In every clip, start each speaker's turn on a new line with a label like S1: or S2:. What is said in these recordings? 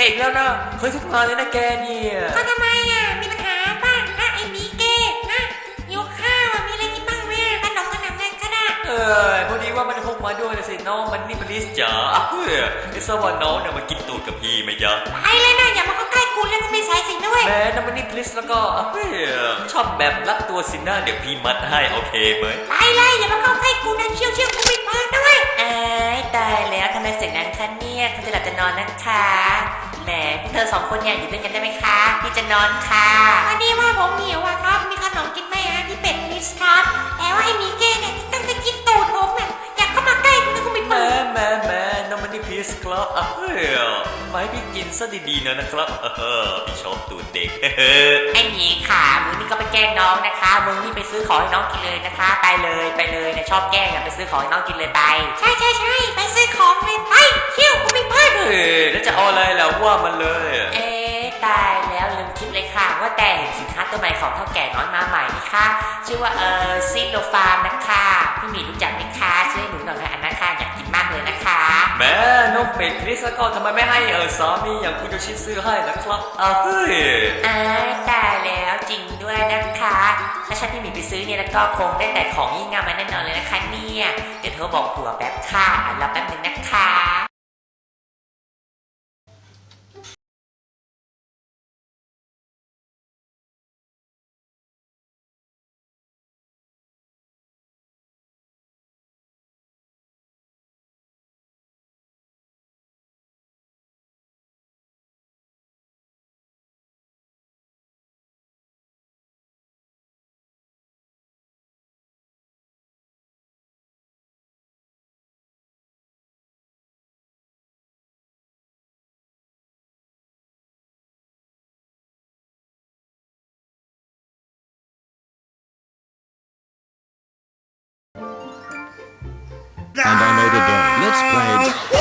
S1: อีกแล้วนะเคยทุกงานเลยนะแกเนี่ย
S2: ก็ทำไมอ่ะมีปัญหาป่ะไอ้มีเก้นะหิวข้าวมีอะไรกินบ้างไหมขนมอะไรก็ได้
S1: พอดีว่ามันพกมาด้วยนะสิน้องมันนี่มันลิสจ๋าไอ้สวรรค์น้องเนี่ยมากินตูดกับพี่ไหมจ๊ะ
S2: ไอ้เลยนะอย่ามาเข้าใกล้กูแล้วกูไม่ใส่สินด้วย
S1: แม่น้ำมันนี่ลิสแล้วก็ชอบแบบรัดตัวสินะเดี๋ยวพี่มัดให้โอเคไหม
S2: ไอ้เลยอย่ามาเข้าใกล้กูนะเชี่ยวกูไม่เปิดด้วย
S3: ตายแล้วทำไมเสียงนั้นคะเนี่ยคุณจะหลับจะนอนนะคะแหมพวกเธอสองคนเนี่ยอยู่ด้วยกันได้ไหมคะพี่จะนอนค่ะ
S2: พอดีว่าผมหิวอะครับมีขนมกินไหมพี่เป็ดลิสครับแต่ว่าไอ้มีเก้เนี่ยตั้งแต่กินตูดผมเนี่ยอยากเข้ามาใกล้กูนะกูไม่เปิด
S1: แม่น้ำมันนี่ลิสครับมาให้พี่กินซะดีๆนะครับพี่ชอบตูดเด็ก
S3: ไอ้หมีค่ะมึงนี่ก็ไปแกล้งน้องนะคะมึงนี่ไปซื้อของให้น้องกินเลยนะคะไปเลยนะชอบแกล้งไปซื้อของให้น้องกินเลยไป
S2: ใช่ไปซื้อของเลยไปเชี่ยวกูไม่เปิด
S1: แล้วจะเอาอะไรแล้วว่ามันเลย
S3: ตายแล้วลืมคิดเลยค่ะว่าแต่เห็นสินค้าตัวใหม่ของเท่าแก่น้อยมาใหม่นี่ค่ะชื่อว่าซิโลฟาร์มนะคะพี่หมีรู้จักไหมคะช่วยหนูหน่อยค่ะอันนั้นค่ะอยากกินมากเลยนะคะ
S1: แม่น้องเป็ดคริสก็ทำไมไม่ให้สามีอย่างคุณโยชิซื้อให้นะครับ
S3: ตายแล้วจริงด้วยนะคะถ้าฉันพี่หมีไปซื้อเนี่ยแล้วก็คงได้แต่ของยิ่งงามมาแน่นอนเลยนะคะเนี่ยเดี๋ยวโทรบอกผัวแป๊บค่ะรอแป๊บนึงนะคะ
S4: And I know the game. Let's play.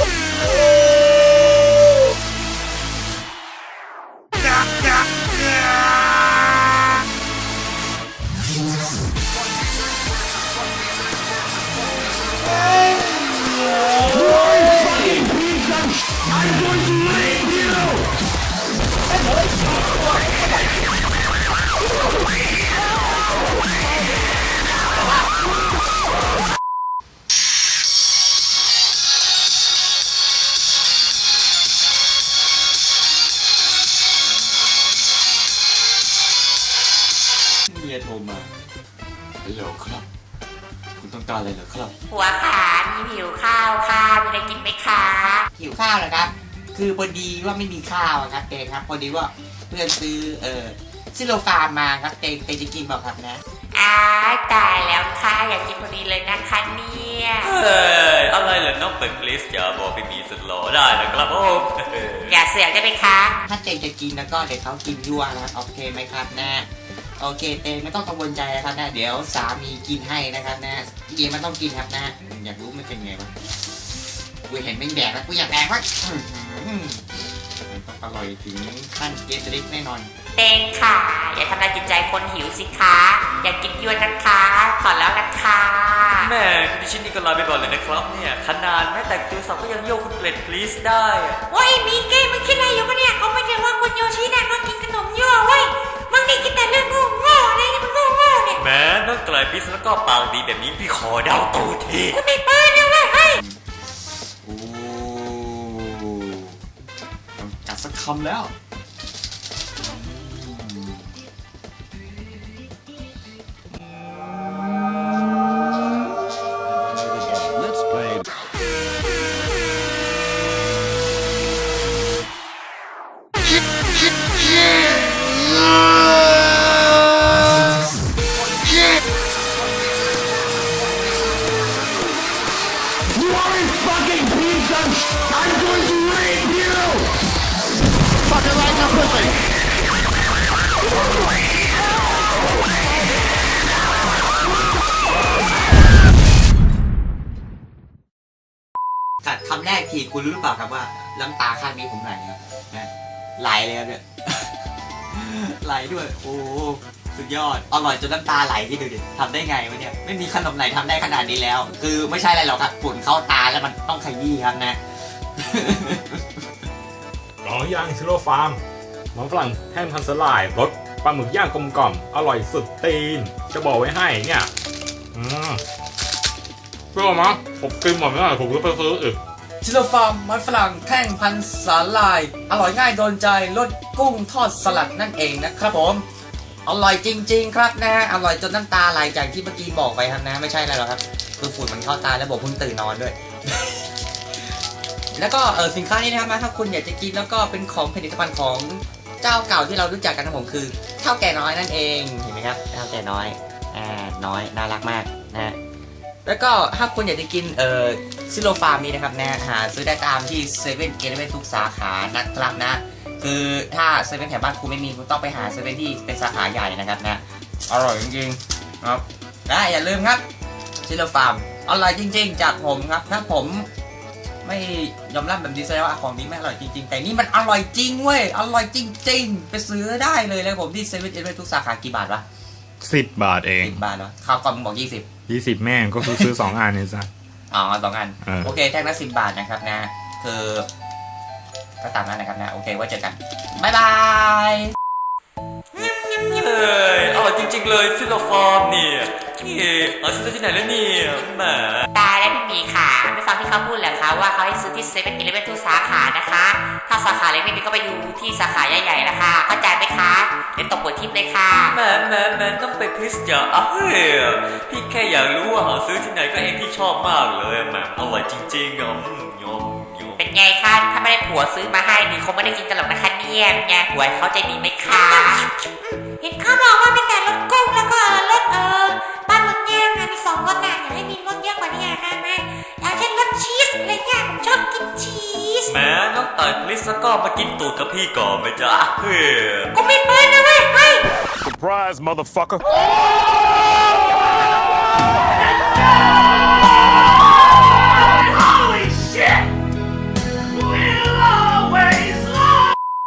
S4: I'm going to rape you!
S1: เมียโทรมาฮัลโหลครับคุณต้องการอะไรเหรอครับ
S3: ผัวขามีหิวข้าวค่ะมีอะไรกินไหมคะ
S5: หิวข้าวเหรอครับคือพอดีว่าไม่มีข้าวครับเตงครับพอดีว่าเพื่อนซื้อซิโลฟาร์มมาครับเตงจะกินเปล่าครับนะ
S3: ตายแล้วค่ะอยากกินพอดีเลยนะคะเนี่ย
S1: อะไรเหรอน้องเป็ดคริสอย่าบอกพี่มีสุดหล่อได้นะครับผม
S3: อย่าเสือกได้ไหมคะ
S5: ถ้าเตงจะกินแล้วก็เดี๋ยวเขากินยั่วนะครับโอเคไหมครับนะโอเคเตงไม่ต้องกังวลใจนะครับนะเดี๋ยวสามีกินให้นะครับนะจริงๆมันต้องกินครับนะอยากรู้มันเป็นไงวะกูเห็นเป็นแดกแล้วกูอยากแดกวะต้องอร่อยถึงขั้นเกสริกแน่นอน
S3: เตงค่ะอย่าทำลายจิตใจคนหิวสิคะอยากกินยั่วนะคะขอแล้วนะคะ
S1: แม่คุณดิฉันนี่ก็ลาไปก่อนเลยนะครับเนี่ยขนาดแม้แต่คิวสับก็ยังโยกคุณเป็ดคริสได้
S2: ว้ยมีเก้มึงคิดอะไรอยู่ปะเนี่ยเขาไม่ได้ว่าคุณโยชิน่ะก็กินขนมยั่วเว้ยมึงนี่กินแต่เรื่องโง่อะไรเนี่ยมึงโง่เนี่ย
S1: แม่น้องไกลพิสแล้วก็ปากดีแบบนี้พี่ขอเดาตูที
S2: กูไม่เปิดเลยเว้ย
S5: โอ้กัดสักคำแล้วกัดคำแรกทีคุณรู้หรือเปล่าครับว่าน้ำตาข้างนี้ผมไหลครับนะไหลเลยครับเนี่ยไหลด้วยโอ้สุดยอดอร่อยจนน้ำตาไหลที่ดูดิทำได้ไงวะเนี่ยไม่มีขนมไหนทำได้ขนาดนี้แล้วคือไม่ใช่อะไรหรอกครับฝุ่นเข้าตาแล้วมันต้องขยี้ครับนะ
S4: ก
S6: องย่างชิโร่ฟาร์มมันฝรั่งแห้งพันสลายรสปลาหมึกย่างกลมกล่อมอร่อยสุดตีนจะบอกไว้ให้เนี่ยเปรี้ยวมั้งผมกินหมดไม่ได้ผมก็ไปซื้ออีก
S7: ชิโลฟาร์มมันฝรั่งแท่งพันสาลาย อร่อยง่ายโดนใจรสกุ้งทอดสลัดนั่นเองนะครับผมอร่อยจริงๆครับนะฮะอร่อยจนน้ำตาไหลจากที่เมื่อกี้บอกไปครับนะไม่ใช่อะไรหรอกครับคือฝุ่นมันเข้าตาแล้วผมเพิ่งตื่นนอนด้วย แล้วก็สินค้านี้นะครับถ้าคุณอยากจะกินแล้วก็เป็นของผลิตภัณฑ์ของเจ้าเก่าที่เรารู้จักกันนะผมคือเท่าแก่น้อยนั่นเองเห็นไหมครับเท่าแก่น้อยน้อยน่ารักมากนะ แล้วก็ถ้าคุณอยากจะกินซิโลฟาร์มนี้นะครับนะหาซื้อได้ตามที่เซเว่นเทุกสาขานะครับนะคือถ้าเซเว่นแถวบ้านคุณไม่มีคุณต้องไปหาเซเว่นที่เป็นสาขาใหญ่นะครับนะอร่อยจริงๆครับนะอย่าลืมครับซิโลฟาร์มอร่อยจริงๆจากผมครับถ้าผมไม่ยอมรับแบบนี้แสดงว่าของนี้ไม่อร่อยจริงๆแต่นี่มันอร่อยจริงเว้ยอร่อยจริงๆไปซื้อได้เลยเลยผมที่เซเว่นทุกสาขากี่บาทวะ
S6: 10 บาทเอง
S7: 10 บาทเหรอข้าวกล่องบอก20
S6: 20แม่งก็คือซื้อ2อันเนี่ยซะ
S7: อ๋อ2 อัน
S6: โอ
S7: โอ
S6: เค
S7: เคแท่งละ10 บาทนะครับนะคือก็ตามนั้นนะครับนะโอเคไว้เจอกันบ๊ายบาย
S1: เฮ้ยอร่อยจริงๆเลยซิลโลฟอร์มเนี่ยนี่เอาซื้อที่ไหนแล้วเนี่ยแหม
S3: ตายแล้วพี่หมีค่ะไม่ฟังที่เขาพูดเหรอคะว่าเขาให้ซื้อที่เซเว่นอีเลฟเว่นทุกสาขานะคะถ้าสาขาเล็กไม่มีก็ไปอยู่ที่สาขาใหญ่ๆนะคะเข้าใจไหมคะเดี๋ยวตกหัวทิพย์เลยค่ะ
S1: แหมต้องไปคริสจ้ะเฮ้ยพี่แค่อยากรู้ว่าหาซื้อที่ไหนก็เองพี่ชอบมากเลยแหมอร่อยจริงๆอ่ะยอม
S3: เป็นไงคะถ้าไม่ได้ผัวซื้อมาให้นี่คงไม่ได้กินกันหรอกนะคะเนี่ยไงผัวเขาใจดีไหมคะ
S2: เห็นเขาบอกว่าเป็นแต่รสกุ้งแล้วก็รสปลาหมึกย่างนะมี2 รสนะอยากให้มีรสเยอะกว่านี้ค่ะแม่อย่างเช่นรสชีสอะไรเงี้ยผมชอบกินชีส
S1: แหมน้องต่อยคริสแล้วก็มากินตูดกับพี่ก่อนไหมจ๊ะเฮ้ย
S2: กูไม่เปิดนะเว้ยเฮ้ย
S4: Surprise, motherfucker!